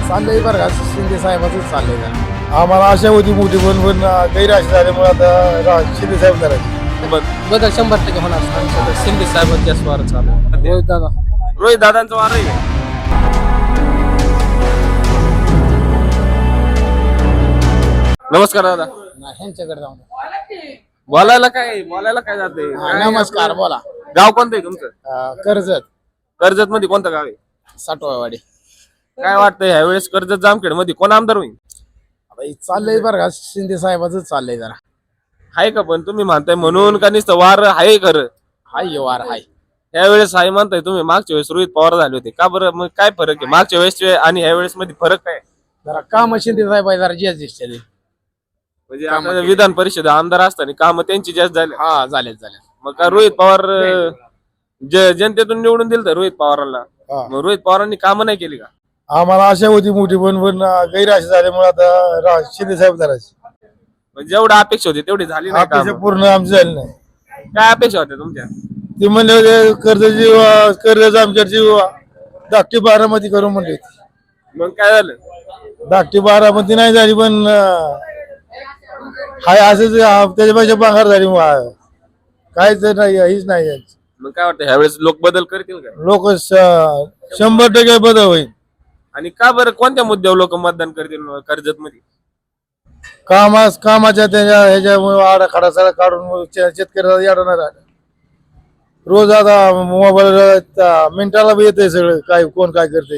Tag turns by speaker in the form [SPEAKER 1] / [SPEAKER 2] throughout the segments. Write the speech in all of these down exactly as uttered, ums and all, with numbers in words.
[SPEAKER 1] चाललंय बरं का शिंदे साहेबांचंच चाललंय का.
[SPEAKER 2] आम्हाला आशा होती मोठी पण पण गैरआशा झाल्यामुळे आता रा- शिंदे साहेब करायचे.
[SPEAKER 3] बदल शंभर टक्के होणार. शिंदे साहेब जास्त वार चालू आहे.
[SPEAKER 1] रोहित दादा
[SPEAKER 4] रोहित दादांचा वार आहे. नमस्कार दादा.
[SPEAKER 1] ह्यांच्याकडे जाऊन
[SPEAKER 4] बोलायला काय बोलायला काय जाते.
[SPEAKER 1] नमस्कार बोला.
[SPEAKER 4] गाव कोणतं आहे तुमचं?
[SPEAKER 1] अं, कर्जत
[SPEAKER 4] कर्जत मध्ये कोणतं गाव आहे?
[SPEAKER 1] साठवावाडी.
[SPEAKER 4] काय वाटतंय ह्या वेळेस कर्जत जामखेड मध्ये कोण आमदार होईल?
[SPEAKER 1] आता हे चाललंय बरं का शिंदे साहेबांचंच चाललंय जरा.
[SPEAKER 4] आहे का पण तुम्ही म्हणताय म्हणून का नुसतं वार आहे खरं?
[SPEAKER 1] हाय हे वार हाय.
[SPEAKER 4] ह्या वेळेस आहे म्हणताय तुम्ही. मागच्या वेळेस रोहित पवार झाले होते का बरं? मग काय फरक आहे मागच्या वेळेस आणि ह्या वेळेस मध्ये फरक काय?
[SPEAKER 1] जरा काम शिंदे साहेब आहे जरा जास्त दिसते.
[SPEAKER 4] म्हणजे आता विधान परिषद आमदार असताना काम त्यांची जास्त झाली.
[SPEAKER 1] हा झालेत झाले.
[SPEAKER 4] मग का रोहित पवार अं, ज- जनतेतून निवडून दिलं तर रोहित पवारांना.
[SPEAKER 2] हा.
[SPEAKER 4] मग रोहित पवारांनी कामं नाही केली का?
[SPEAKER 2] आम्हाला आशा होती मोठी पण पण गैरआशा झाल्यामुळे आता रा- शिंदे साहेब करायचे.
[SPEAKER 4] म्हणजे जेवढं अपेक्षा होती तेवढी झाली नाही
[SPEAKER 2] अपेक्षा
[SPEAKER 4] कामं.
[SPEAKER 2] पूर्ण आमची झाली नाही.
[SPEAKER 4] काय अपेक्षा होत्या तुमच्या?
[SPEAKER 2] ते म्हणले होते कर्जाची वा- कर्ज आमच्याची वा- धाकटी बारामती करू म्हणले होते.
[SPEAKER 4] मग काय झालं?
[SPEAKER 2] धाकटी बारामती नाही झाली पण अं, हाय असंच अं, त्याच्यापेक्षा भांगार झाली वा- काहीच नाही हीच नाही यांची.
[SPEAKER 4] मग काय वाटतं ह्यावेळेस लोक बदल करतील का?
[SPEAKER 2] लोक शंभर टक्के बदल होईल.
[SPEAKER 4] आणि का बरं कोणत्या मुद्द्यावर लोक मतदान करतील कर्जत मध्ये?
[SPEAKER 2] कामास कामाच्या त्याच्या ह्याच्यामुळे आडाखाडा सगळा काढून शेतकऱ्याला येणार आहे. रोज आता मोबाईल मिनिटाला बी येते सगळं काय कोण काय करते.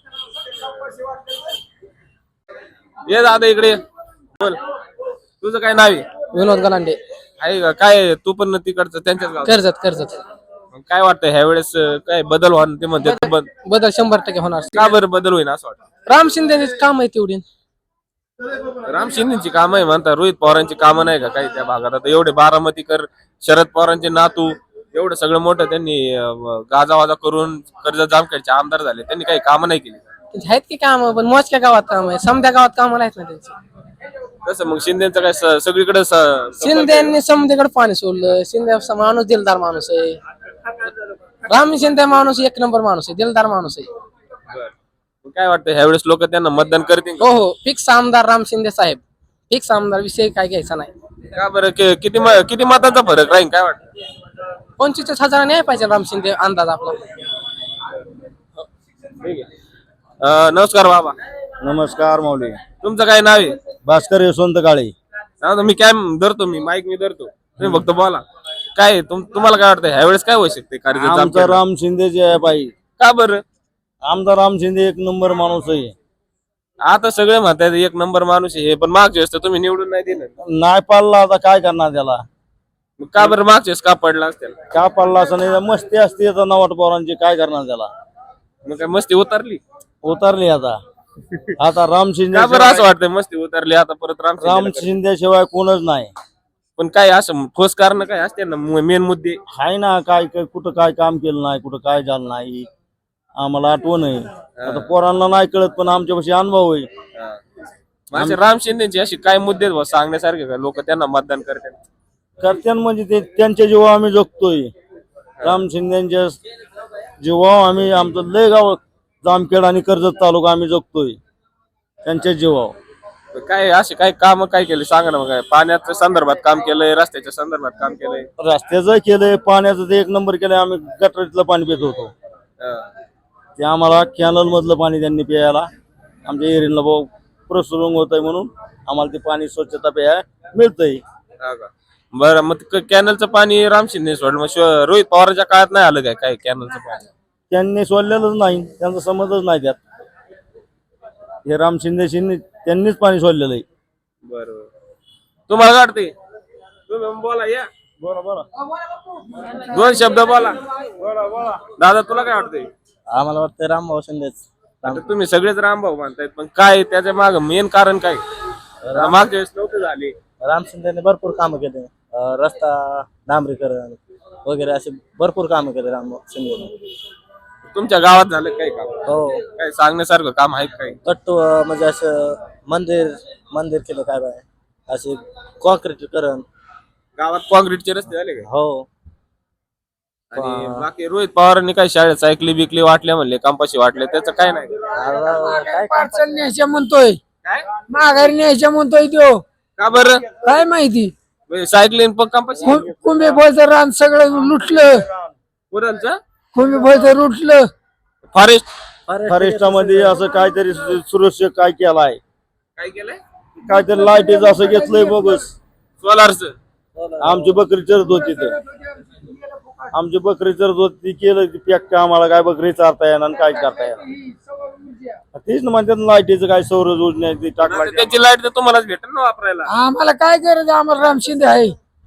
[SPEAKER 4] ये दादा इकडे ये. बोल. तुझं काय नाव आहे?
[SPEAKER 3] विनोद गलांडे.
[SPEAKER 4] आहे का काय? तू पण तिकडचं त्यांच्याच गाव.
[SPEAKER 3] कर्जत कर्जत
[SPEAKER 4] काय वाटतं ह्या वेळेस काय बदल होणार ते म्हणते तू बद-
[SPEAKER 3] बदल शंभर टक्के होणार.
[SPEAKER 4] का बरं बदल होईल असं वाटतं?
[SPEAKER 3] राम शिंदेच काम आहे तेवढी.
[SPEAKER 4] राम शिंदेची कामं आहे म्हणता. रोहित पवारांची कामं नाही का काही त्या भागात? आता एवढे बारामतीकर शरद पवारांचे नातू एवढं सगळं मोठं त्यांनी अं, गाजावाजा करून कर्जत जामखेडचे आमदार झाले. त्यांनी काही कामं नाही केली.
[SPEAKER 3] आहेत की काम पण मोजक्या गावात काम आहे. समध्या गावात काम नाहीत ना त्यांची.
[SPEAKER 4] कसं मग शिंदेचं काय स- सगळीकडे स-
[SPEAKER 3] शिंदेनी समधीकडे पाणी सोडलं. शिंदे असा माणूस दिलदार माणूस आहे. राम शिंदे माणूस एक नंबर माणूस आहे. दिलदार माणूस आहे.
[SPEAKER 4] बरं. मग काय वाटतं ह्या वेळेस लोक त्यांना मतदान करतील का?
[SPEAKER 3] हो हो फिक्स आमदार राम शिंदे साहेब. फिक्स आमदार विषय काय घ्यायचा नाही.
[SPEAKER 4] का बरं कि- किती म- किती मतांचा फरक राहील काय वाटतं?
[SPEAKER 3] पंचवीस हजाराने आहे पाहिजे राम शिंदे अंदाज आपला.
[SPEAKER 4] ठीक आहे. अं, नमस्कार बाबा.
[SPEAKER 2] नमस्कार माऊली.
[SPEAKER 4] तुमचं काय नाव आहे?
[SPEAKER 2] भास्कर यशवंत काळे.
[SPEAKER 4] सांगा मी काय धरतो मी माईक मी धरतो तुम्ही फक्त बोला. काय आहे? तुम- तुम्हाला काय वाटतं ह्या वेळेस काय होऊ शकते कर्जत
[SPEAKER 2] आमचा
[SPEAKER 4] जामखेड?
[SPEAKER 2] राम शिंदे जे आहे बाई,
[SPEAKER 4] का बरं?
[SPEAKER 2] आमचा राम शिंदे एक नंबर माणूस आहे.
[SPEAKER 4] आता सगळे म्हणतात एक नंबर माणूस आहे हे, पण मागच्या वेळेस तर तुम्ही निवडून नाही दिलं.
[SPEAKER 2] नाही पाळला आता काय करणार त्याला.
[SPEAKER 4] मग का बरं मागच्या वेळेस का पडला असतील?
[SPEAKER 2] का पाळला असं नाही. मस्ती असते आता नवाट पवारांची काय करणार त्याला.
[SPEAKER 4] मग काय मस्ती उतरली?
[SPEAKER 2] उतरली आता. आता राम शिंदे
[SPEAKER 4] का बरं असं वाटतंय मस्ती उतरली आता परत राम
[SPEAKER 2] राम
[SPEAKER 4] शिंदेला?
[SPEAKER 2] शिंदे शिवाय कोणच नाही.
[SPEAKER 4] पण काय असं ठोस कारण काय असते ना मेन मुद्दे?
[SPEAKER 2] हाय ना काय काय- कुठं काय काम केलं नाही कुठं काय झालं नाही आम्हाला आठवण आहे. आता पोरांना नाही कळत पण आमच्यापाशी अनुभव आहे.
[SPEAKER 4] म्हणजे राम शिंदेची अशी काय मुद्दे आहेत बुवा सांगण्यासारखे का लोक त्यांना मतदान करतात?
[SPEAKER 2] करत्यान म्हणजे ते त्यांच्या जीवा आम्ही जगतोय. राम शिंदेच्या जीवा आम्ही आमचं लय गाव जामखेड आणि कर्जत तालुका आम्ही जगतोय त्यांच्या जीवावर.
[SPEAKER 4] काय असे काय काम काय केले सांगा ना. मग काय पाण्याच्या संदर्भात काम केलंय, रस्त्याच्या संदर्भात काम केलंय?
[SPEAKER 2] रस्त्याचं केलंय, पाण्याचं ते एक नंबर केलंय. आम्ही गटरीतलं पाणी पित होतो ते आम्हाला कॅनल मधलं पाणी त्यांनी प्यायला आमच्या एरियाला भाऊ प्रसरून होत आहे म्हणून आम्हाला ते पाणी स्वच्छता प्यायला मिळतंय.
[SPEAKER 4] बरं मग क- कॅनलचं पाणी राम शिंदे सोडलं मग शिव- रोहित पवारच्या काळात नाही आलं काय काय कॅनलचं पाणी?
[SPEAKER 2] त्यांनी सोडलेलंच नाही. त्यांचा समजच नाही त्यात. हे राम शिंदे शिंदे त्यांनीच पाणी सोडलेलं आहे.
[SPEAKER 4] बरोबर. तुम्हाला काय वाटतंय? तुम्ही बोला या.
[SPEAKER 2] बोला बोला
[SPEAKER 4] दोन शब्द बोला. दादा तुला काय वाटतंय?
[SPEAKER 2] आम्हाला वाटतं रामभाऊ शिंदेच.
[SPEAKER 4] आता तुम्ही सगळेच रामभाऊ मानतायत पण काय त्याच्या माग मेन कारण काय? मागच्या वेळेस नव्हते झाले.
[SPEAKER 5] राम शिंदेने भरपूर कामं केले. अं, रस्ता डांबरीकरण वगैरे असे भरपूर कामं केले राम शिंदेने.
[SPEAKER 4] तुमच्या गावात झालं काय काम?
[SPEAKER 5] हो
[SPEAKER 4] काय सांगण्यासारखं काम आहे काय?
[SPEAKER 5] कट्टू अं, म्हणजे असं मंदिर मंदिर केलं काय बाय असे कॉन्क्रीटीकरण.
[SPEAKER 4] गावात काँक्रीटचे रस्ते झाले काय?
[SPEAKER 5] हो
[SPEAKER 4] आणि बाकी रोहित पवारांनी काय शाळेत सायकली बिकली वाटल्या म्हणले कंपाशी वाटले त्याचं काय नाही
[SPEAKER 5] काय
[SPEAKER 1] पार्सल न्यायच्या म्हणतोय
[SPEAKER 4] काय
[SPEAKER 1] माघारी न्यायच्या म्हणतोय तो
[SPEAKER 4] का बरं
[SPEAKER 1] काय माहिती
[SPEAKER 4] सायकलीन पण कंपाशी
[SPEAKER 1] कुंभे बोलचं रान सगळं लुटलं
[SPEAKER 4] कुणाचं
[SPEAKER 1] कुंभे बोलचं लुटलं
[SPEAKER 4] फॉरेस्ट
[SPEAKER 2] फॉरेस्टामध्ये असं काहीतरी सु- सुरक्षा काय केलाय
[SPEAKER 4] काय केलंय
[SPEAKER 2] काहीतरी लाईटीच असं घेतलंय बोगस
[SPEAKER 4] सोलारच
[SPEAKER 2] आमची बकरी चरत होती तर आमची बकरी चरत होती ती केलं ती पॅक आम्हाला काय बकरी चारता येणार आणि काय करता येणार तेच ना म्हणतात लाईटीचं काय सौर योजना ती टाकला
[SPEAKER 4] त्याची लाईट तर तुम्हालाच भेटेल ना वापरायला
[SPEAKER 1] आम्हाला काय गरज आम्हाला राम शिंदे आहे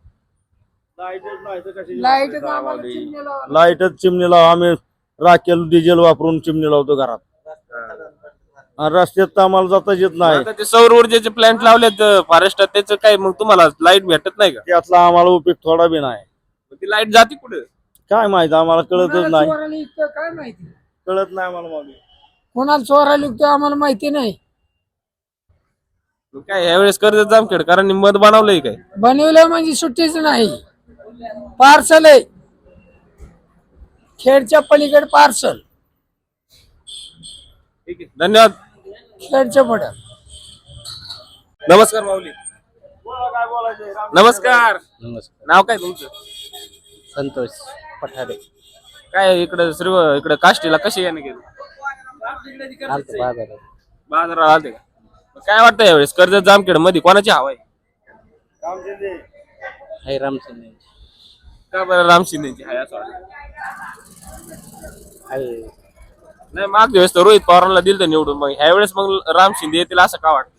[SPEAKER 1] लाईट
[SPEAKER 2] लाईटच चिमणी लाव आम्ही राखेल डिझेल वापरून चिमणी लावतो घरात आणि रस्त्यात तर आम्हाला जाताच येत नाही
[SPEAKER 4] आता ते सौर ऊर्जेचे प्लांट लावलेत फॉरेस्टात त्याचं काय मग तुम्हाला लाईट भेटत नाही का
[SPEAKER 2] त्यातला आम्हाला उपयोग थोडा बी नाही
[SPEAKER 4] मग ती लाईट जाते कुठे
[SPEAKER 2] काय माहित आम्हाला कळतच नाही
[SPEAKER 1] काय माहिती
[SPEAKER 2] कळत नाही आम्हाला मागे
[SPEAKER 1] कोणाला चोरायला लिखतो आम्हाला माहिती नाही
[SPEAKER 4] काय यावेळेस कर्जत जामखेडकरांनी मत बनवलंय काय
[SPEAKER 1] बनवलं म्हणजे सुट्टीच नाही पार्सल आहे खेडच्या पलीकडे पार्सल
[SPEAKER 4] ठीक आहे धन्यवाद
[SPEAKER 1] खेडच्या पुढे
[SPEAKER 4] नमस्कार माऊली नमस्कार नाव काय तुमचं
[SPEAKER 5] संतोष पठारे
[SPEAKER 4] काय इकडे सर्व इकडे काष्टीला कसे याने गेले
[SPEAKER 5] आलतो बाजारात
[SPEAKER 4] बाजाराला आलते का मग काय वाटतं यावेळेस कर्जत जामखेड मध्ये कोणाची हवा आहे
[SPEAKER 5] हाय रामचंद्र
[SPEAKER 4] का बरं राम शिंदेची आहे असं वाटतं
[SPEAKER 5] हाय
[SPEAKER 4] नाही मागच्या वेळेस तर रोहित पवारांना दिलं तर निवडून मग ह्या वेळेस मग राम शिंदे येतील असं का वाटतं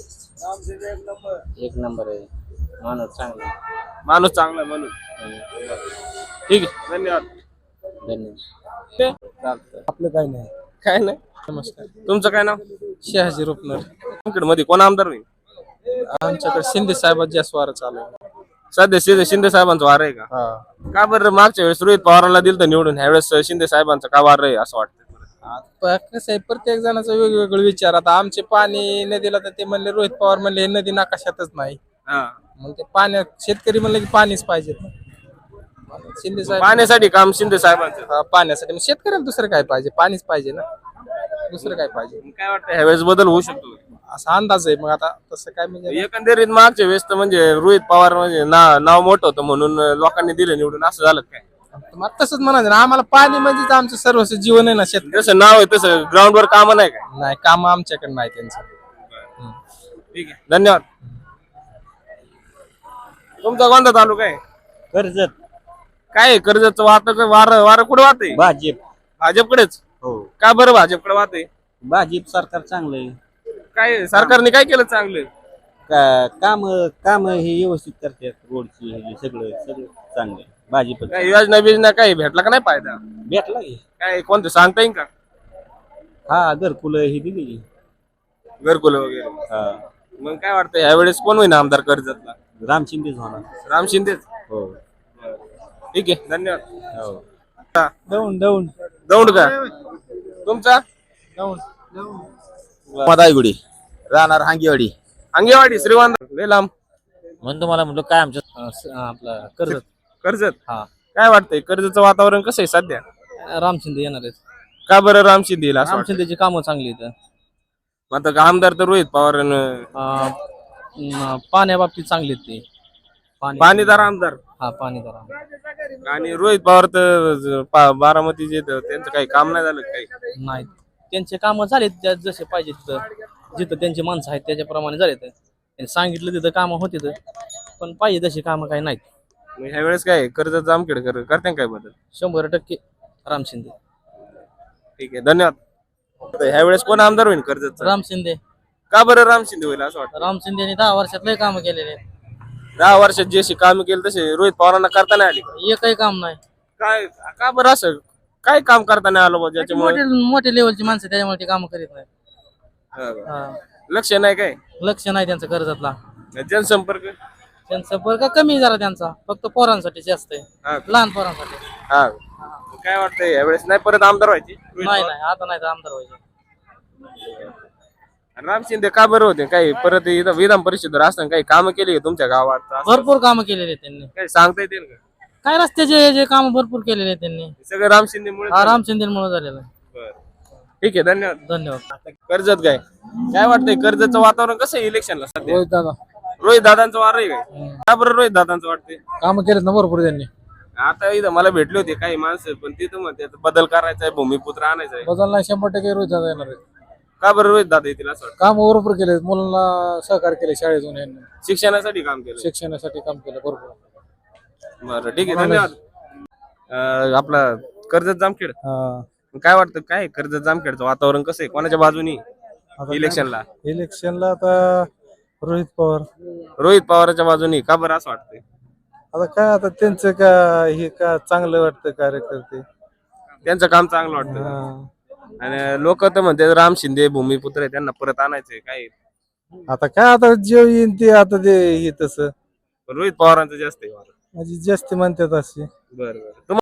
[SPEAKER 5] एक नंबर आहे माणूस चांगला
[SPEAKER 4] माणूस चांगला आहे म्हणून ठीक आहे धन्यवाद
[SPEAKER 5] धन्यवाद
[SPEAKER 1] आपलं काही नाही
[SPEAKER 4] काय नाही
[SPEAKER 3] नमस्कार
[SPEAKER 4] तुमचं काय नाव
[SPEAKER 3] शहाजी रुपनर
[SPEAKER 4] जामखेड मध्ये कोण आमदार होईल
[SPEAKER 3] आमच्याकडे शिंदे साहेबांची जास्त वारं चालू आहे.
[SPEAKER 4] सध्या शिंदे शिंदे साहेबांचा वार आहे का
[SPEAKER 3] हा
[SPEAKER 4] का बरं मागच्या वेळेस रोहित पवारांना दिलं तर निवडून ह्या वेळेस शिंदे साहेबांचा का वार आहे असं वाटतं
[SPEAKER 3] प- कसं आहे प्रत्येक जणाचा वेगवेगळे विचार आता आमचे पाणी नदीला तर ते म्हणले रोहित पवार म्हणले हे नदी नकाशातच नाही
[SPEAKER 4] हा.
[SPEAKER 3] मग ते पाण्यात शेतकरी म्हणलं की पाणीच पाहिजे मग शिंदे साहेब
[SPEAKER 4] पाण्यासाठी काम शिंदे साहेबांचं
[SPEAKER 3] हा, पाण्यासाठी मग शेतकऱ्याला दुसरं काय पाहिजे पाणीच पाहिजे ना दुसरं काय पाहिजे
[SPEAKER 4] मग काय वाटतं ह्या वेळेस बदल होऊ शकतो
[SPEAKER 3] असा अंदाज आहे मग आता तसं काय म्हणजे
[SPEAKER 4] एकंदरीत मागच्या वेळेस तर म्हणजे रोहित पवार म्हणजे ना- नाव मोठं होतं म्हणून लोकांनी दिलं निवडून असं झालं काय
[SPEAKER 3] मग तसंच म्हणायचं ना आम्हाला पाणी म्हणजेच आमचं सर्वस्व जीवन आहे ना शेतकरी
[SPEAKER 4] जसं नाव आहे तसं ग्राउंड वर काम नाही का
[SPEAKER 3] नाही काम आमच्याकडे नाही त्यांचं
[SPEAKER 4] ठीक आहे धन्यवाद तुमचा कोणता तालुका आहे
[SPEAKER 5] कर्जत
[SPEAKER 4] काय आहे कर्जतचं वाहत वार वार कुठे वाहत आहे
[SPEAKER 5] भाजप
[SPEAKER 4] भाजपकडेच
[SPEAKER 5] हो
[SPEAKER 4] का बरं भाजपकडे वाहत आहे
[SPEAKER 5] भाजप सरकार चांगलं आहे
[SPEAKER 4] काय सरकारने काय केलं चांगलं
[SPEAKER 5] का काम काम हे व्यवस्थित करतात रोडची हे सगळं सगळं चांगलं आहे भाजप
[SPEAKER 4] काय योजना बिजना काही भेटला का नाही फायदा
[SPEAKER 5] भेटला की
[SPEAKER 4] काय कोणतं सांगता येईल का
[SPEAKER 5] हा घरकुलं ही दिली की.
[SPEAKER 4] घरकुल वगैरे
[SPEAKER 5] हा
[SPEAKER 4] मग काय वाटतं ह्या वेळेस कोण होईना आमदार कर्जतला
[SPEAKER 5] राम शिंदेच होणार
[SPEAKER 4] राम शिंदेच
[SPEAKER 5] हो
[SPEAKER 4] ठीक आहे धन्यवाद
[SPEAKER 5] हो
[SPEAKER 3] दौंड दौंड
[SPEAKER 4] दौंड का तुमचा
[SPEAKER 6] मदाईगुडी राहणार हांगेवाडी
[SPEAKER 4] अंगेवाडी श्रीवंत लय लांब
[SPEAKER 6] म्हणून तुम्हाला म्हणलो काय आमच्या
[SPEAKER 3] आपला कर्जत
[SPEAKER 4] कर्जत
[SPEAKER 3] हा.
[SPEAKER 4] काय वाटतंय कर्जतचं वातावरण कसं आहे सध्या
[SPEAKER 3] राम शिंदे येणार आहेत
[SPEAKER 4] का बरं राम शिंदे येईल असं
[SPEAKER 3] राम
[SPEAKER 4] वाटतं?
[SPEAKER 3] शिंदेची कामं चांगली आहेत
[SPEAKER 4] मग आता आमदार तर रोहित पवार
[SPEAKER 3] अं, न- पाण्याबाबतीत चांगले आहेत ते
[SPEAKER 4] पाणीदार आमदार
[SPEAKER 3] हा पाणीदार
[SPEAKER 4] आणि रोहित पवार तर ज- पा- बारामतीचे तर त्यांचं काही काम नाही झालं काही
[SPEAKER 3] नाही त्यांचे कामं झालेत ज्या- जसे पाहिजे तिथं जिथं त्यांची माणसं आहेत त्याच्याप्रमाणे झालेत त्यांनी सांगितलं तिथं कामं होते पण पाहिजे तशी कामं काही नाहीत
[SPEAKER 4] मग ह्या वेळेस काय कर्जत जामखेडकर करते काय बदल
[SPEAKER 3] शंभर टक्के राम शिंदे
[SPEAKER 4] ठीक आहे धन्यवाद ह्या वेळेस कोण आमदार होईल कर्जत
[SPEAKER 3] राम शिंदे
[SPEAKER 4] का बरं राम शिंदे होईल असं वाटतं
[SPEAKER 3] राम शिंदेने दहा वर्षात लय कामं केलेले
[SPEAKER 4] दहा वर्षात जशी कामं केली तसे रोहित पवारांना करता नाही आली का?
[SPEAKER 3] एकही काम नाही
[SPEAKER 4] काय का बरं असं काय काम करता नाही आलं बा ज्याच्यामुळे
[SPEAKER 3] मोठे मोठे लेवलची माणसं त्याच्यामुळे ते कामं करीत नाही
[SPEAKER 4] हा का?
[SPEAKER 3] हा.
[SPEAKER 4] लक्ष नाही काय
[SPEAKER 3] लक्ष नाही त्यांचं कर्जतला
[SPEAKER 4] जनसंपर्क
[SPEAKER 3] त्यांचा वर्ग कमी जरा त्यांचा फक्त पोरांसाठी जास्त आहे
[SPEAKER 4] हा का?
[SPEAKER 3] लहान पोरांसाठी
[SPEAKER 4] हा काय वाटतंय यावेळेस नाही परत आमदार व्हायची
[SPEAKER 3] नाही नाही आता नाही तर आमदार व्हायचे
[SPEAKER 4] राम शिंदे का बरं होते काही परत इथं विधान परिषदेवर असताना काही कामं केली का तुमच्या गावात असं
[SPEAKER 3] भरपूर कामं केलेली आहेत त्यांनी
[SPEAKER 4] काही सांगता येतील का
[SPEAKER 3] काय रस्त्याचे जे काम भरपूर केलेले आहेत त्यांनी
[SPEAKER 4] सगळं राम शिंदेमुळे
[SPEAKER 3] हा राम शिंदेमुळे झालेलं आहे.
[SPEAKER 4] बरं. ठीक आहे, धन्यवाद.
[SPEAKER 3] धन्यवाद.
[SPEAKER 4] कर्जत काय काय वाटतंय कर्जतचं वातावरण कसं आहे इलेक्शनला सध्या?
[SPEAKER 1] रोहित दादा
[SPEAKER 4] रोहित दादांचं वार आहे काय? का बरं रोहित दादांचं वाटतंय?
[SPEAKER 1] काम केलेत ना भरपूर त्यांनी.
[SPEAKER 4] आता इथं मला भेटले होते काही माणसं, पण तिथं म्हणते आता बदल करायचा आहे, भूमिपुत्र आणायचा आहे.
[SPEAKER 1] बदल नाही, शंभर टक्के रोहित दादा येणार आहेत.
[SPEAKER 4] का बरं रोहित दादा येतील असं वाटतं?
[SPEAKER 1] काम भरपूर केले, मुलांना सहकार्य केले शाळेतून यांनी.
[SPEAKER 4] शिक्षणासाठी काम केलं.
[SPEAKER 1] शिक्षणासाठी काम केलं भरपूर.
[SPEAKER 4] बरं ठीक आहे, धन्यवाद. अं, आपला कर्जत जामखेड
[SPEAKER 1] हा.
[SPEAKER 4] काय वाटतं, काय कर्जत जामखेडचं वातावरण कसं आहे, कोणाच्या बाजूनी इलेक्शनला?
[SPEAKER 1] इलेक्शनला आता रोहित पवार.
[SPEAKER 4] रोहित पवारच्या बाजूनी. का बरं असं वाटतंय?
[SPEAKER 1] आता काय आता त्यांचं का हे का चांगलं वाटतं कार्यकर्ते.
[SPEAKER 4] त्यांचं काम चांगलं वाटतं आणि लोक तर म्हणते राम शिंदे भूमिपुत्र आहे, त्यांना परत आणायचंय. काय
[SPEAKER 1] आता काय आता जे येईन ते आता ते हे तसं
[SPEAKER 4] रोहित पवारांचं जास्त आहे वारं.
[SPEAKER 1] म्हणजे जास्त म्हणतात असे.
[SPEAKER 4] बरं बरं. तुम्हा-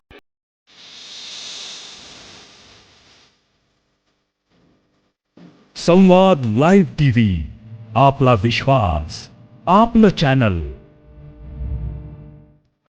[SPEAKER 7] संवाद लाईव्ह टीव्ही आपला विश्वास आपलं चॅनल.